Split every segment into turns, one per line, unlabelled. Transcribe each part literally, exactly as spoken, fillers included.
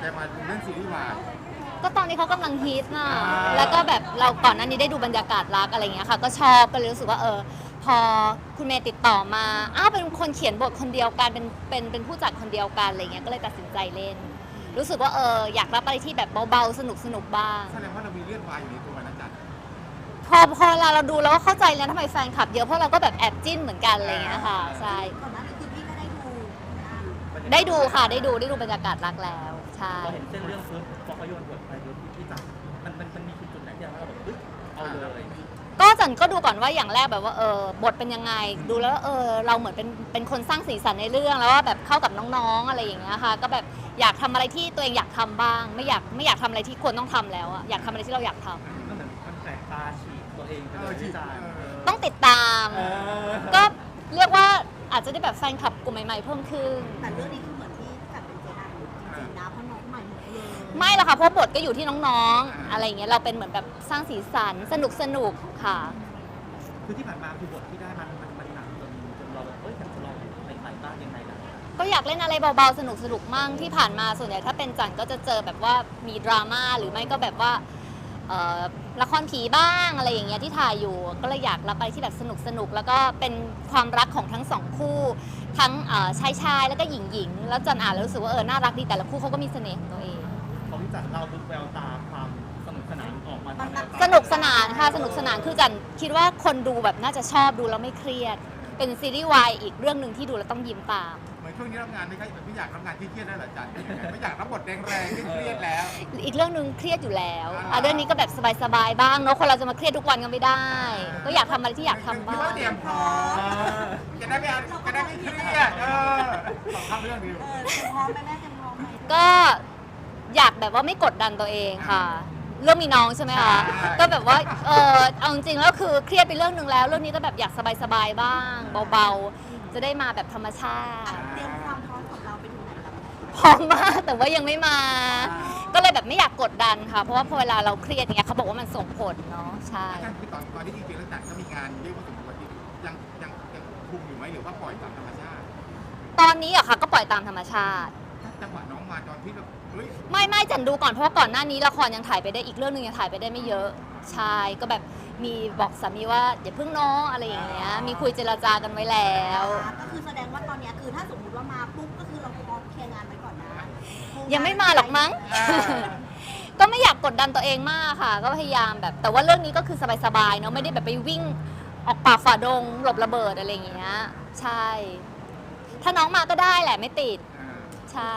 ใจมาเล่นซีรีส์วาย
ก็ตอนนี้เขากำลังฮิตนะแล้วก็แบบเราก่อนหน้านี้ได้ดูบรรยากาศรักอะไรอย่างเงี้ยค่ะก็ชอบก็เลยรู้สึกว่าเออพอคุณเมย์ติดต่อมาอ้าวเป็นคนเขียนบทคนเดียวกันเป็นเป็นเป็นผู้จัดคนเดียวกันอะไรเงี้ยก็เลยตัดสินใจเล่น รู้สึกว่าเอออยากรับอะไรที่แบบเบาๆสนุกสนุกบ้าง
แสดงว่าเรามีเลือดวายอยู่ในตัวนะจ๊ะ
พอพอเวลาเราดูแล้วก็เข้าใจแล้วทำไมแฟนคลับเยอะเพราะเราก็แบบแอบจิ้นเหมือนกันอะไรเงี้ยค่ะใช่
ก่อนหน้านี้คือพี่ก็ได้ดู
ได้ดูค่ะได้ดูได้ดูบรรยากาศรักแล้วใช่
พอเห็นเส้นเรื่องปุ๊บพอเขาโยนบทไปปุ๊บพี่จับมันมันมันมีจุดไหนที่เราแบบปึ๊บเอาเลย
ก็จันก็ดูก่อนว่าอย่างแรกแบบว่าเออบทเป็นยังไงดูแล้วเออเราเหมือนเป็นเป็นคนสร้างสีสันในเรื่องแล้วว่าแบบเข้ากับน้องๆอะไรอย่างเงี้ยค่ะก็แบบอยากทำอะไรที่ตัวเองอยากทำบ้างไม่อยากไม่อยากทำอะไรที่ควรต้องทำแล้วอะอยากทำอะไรที่เราอยากทำ
ก็เหมือนมันแสบตาฉีกตัวเองไปเลยพี่จัน
ต้องติดตามก็เรียกว่าอาจจะได้แบบแฟนคลับกลุ่มใหม่ๆเพิ่มขึ้น
แต่เรื่องนี้คือเหมือนที่จัดเป็นเจดังจริงๆนะเพราะน้องใหม่หมดเลย
ไม่หรอกค่ะเพราะบทก็อยู่ที่น้องๆอะไรอย่างเงี้ยเราเป็นเหมือนแบบสร้างสีสันสนุกสนุกค่ะ
คือที่ผ่านมาคือบทที่ได้มันมันมันหนักจนจนเราแบบเอ้ยอยากจะลองใหม่ๆบ้างยังไงกัน
ก็อยากเล่นอะไรเบาๆสนุกสนุกมั่งที่ผ่านมาส่วนใหญ่ถ้าเป็นจันก็จะเจอแบบว่ามีดราม่าหรือไม่ก็แบบว่าละครผีบ้างอะไรอย่างเงี้ยที่ถ่ายอยู่ก็เลยอยากรับไปที่แบบสนุกสนุกแล้วก็เป็นความรักของทั้งสองคู่ทั้งชายชายแล้วก็หญิงหญิงแล้วจันอ่านแล้วรู้สึกว่าเออน่ารักดีแต่ละคู่เขาก็มีเสน่ห์ของตัวเอง
ของพี่จันเราดูแววตาความสนุกสนานออกมา
สนุกสนานค่ะสนุกสนานคือจันคิดว่าคนดูแบบน่าจะชอบดูแล้วไม่เครียดเป็นซีรีส์วายอีกเรื่องหนึ่งที่ดูแล้วต้องยิ้มตาม
เหมือนช่วงนี้รับงานไม่ค่อยไม่อยากรับงานที่เครียดได้หรอจันไม่อยากรับบทแรงๆที่เครียดแล้ว
อีกเรื่องหนึ่งเครียดอยู่แล้วอ่ะเรื่องนี้ก็แบบสบายๆบ้างเนาะคนเราจะมาเครียดทุกวันก็ไม่ได้ก็อยากทำอะไรที่อยากทำบ้าง
เตรียมพร้อมจะได้ไม่จะได้ไม่เครียดเออทำเรื่องนี้
เออเตรียมพร้อมไหมแม่เตรียมพร้อมไหม
ก็อยากแบบว่าไม่กดดันตัวเองค่ะเรื่องมีน้องใช่ไหมคะก็แบบว่าเออเอาจริงๆแล้วคือเครียดไปเรื่องหนึ่งแล้วเรื่องนี้ก็แบบอยากสบายๆบ้างเบาๆจะได้มาแบบธรรมชาติ
เตรียมความพร้อมของเราไปถึงไหนแล้ว
พร้อมมากแต่ว่ายังไม่มาก็เลยแบบไม่อยากกดดันค่ะเพราะว่าพอเวลาเราเครียดอย่างเงี้ยเขาบอกว่ามันส่งผลเนาะใช่
คือตอนตอนที่จริงๆแล้วจัดก็มีงานเยอะพอสมควรที่ยังยังยังคุมอยู่ไหมหรือว่าปล่อยตามธรรมชาติ
ตอนนี้อะค่ะก็ปล่อยตามธรรมชาติ
จังหวะน้องมาตอนที่แบบ
ไม่ไม่จันดูก่อนเพราะว่าก่อนหน้านี้ละครยังถ่ายไปได้อีกเรื่องนึงยังถ่ายไปได้ไม่เยอะใช่ก็แบบมีบอกสามีว่าอย่าเพิ่งน้องอะไรอย่างเงี้ยมีคุยเจรจากันไว้แล้ว
ก็คือแสดงว่าตอนนี้คือถ้าสมมติว่ามาปุ๊บก็คือเราพร้อมเคลียร์งานไว้ก่อนนะ
ยังไม่มาหรอกมั้งก็ไม่อยากกดดันตัวเองมากค่ะก็พยายามแบบแต่ว่าเรื่องนี้ก็คือสบายๆเนาะไม่ได้แบบไปวิ่งออกป่าฝ่าดงหลบระเบิดอะไรอย่างเงี้ยใช่ถ้าน้องมาก็ได้แหละไม่ติดใช่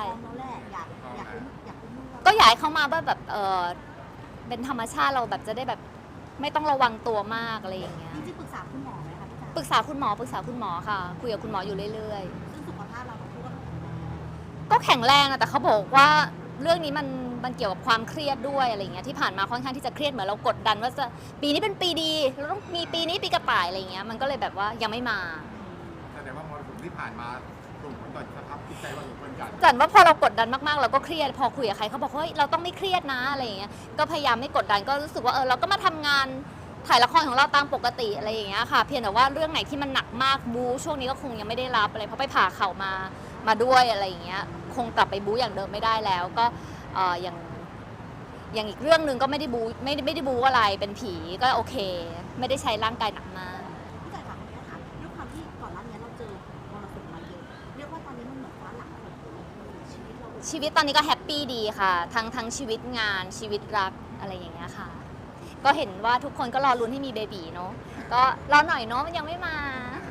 ก็อยากให้เขามาว่าแบบเออเป็นธรรมชาติเราแบบจะได้แบบไม่ต้องระวังตัวมากอะไรอย่างเงี้ย
จริงๆปรึกษาคุณหมอไหมคะพี่จ๋า
ปรึกษาคุณหมอปรึกษาคุณหมอค่ะคุยกับคุณหมออยู่เรื่อย
ๆซึ่งสุขภาพเราก็
ก็แข็งแรงนะแต่เขาบอกว่าเรื่องนี้มันมันเกี่ยวกับความเครียดด้วยอะไรเงี้ยที่ผ่านมาค่อนข้างที่จะเครียดเหมือนเรากดดันว่าจะปีนี้เป็นปีดีเราต้องมีปีนี้ปีกระต่ายอะไรเงี้ยมันก็เลยแบบว่ายังไม่มา
แสดงว่ามรสุมที่ผ่านมาส่งผลต่อสภาพจิตใจเราเหมือนกัน
จันว่าพอเรากดดันมากๆเราก็เครียดพอคุยกับใครเขาบอกเฮ้ยเราต้องไม่เครียดนะอะไรอย่างเงี้ยก็พยายามไม่กดดันก็รู้สึกว่าเออเราก็มาทำงานถ่ายละครของเราตามปกติอะไรอย่างเงี้ยค่ะเพียงแต่ว่าเรื่องไหนที่มันหนักมากบู๊ช่วงนี้ก็คงยังไม่ได้รับอะไรเพราะไปผ่าเข่ามามาด้วยอะไรอย่างเงี้ยคงกลับไปบู๊อย่างเดิมไม่ได้แล้วก็เอออย่างอย่างอีกเรื่องหนึ่งก็ไม่ได้บู๊ไม่ไม่ได้บู๊อะไรเป็นผีก็โอเคไม่ได้ใช้ร่างกายหนักมาก
พี่จ๋าถามนี้นะคะด้วยความที่ก่อนหน้านี้เราเจอมรสุมมาเยอะเรียกว่าตอนนี้มันเหมือนฟ้าหลังชีวิตเรา
ชีวิตตอนนี้ก็แฮปปี้ดีค่ะทั้งทั้งชีวิตงานชีวิตรักอะไรอย่างเงี้ยค่ะก็เห็นว่าทุกคนก็รอลุ้นให้มีเบบีเนาะก็รอหน่อยเนาะมันยังไม่มา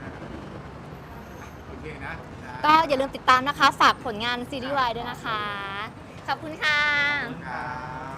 โอเคนะ
ก็อย่าลืมติดตามนะคะฝากผลงานซีรีส์วายด้วยนะคะขอบคุณค่ะ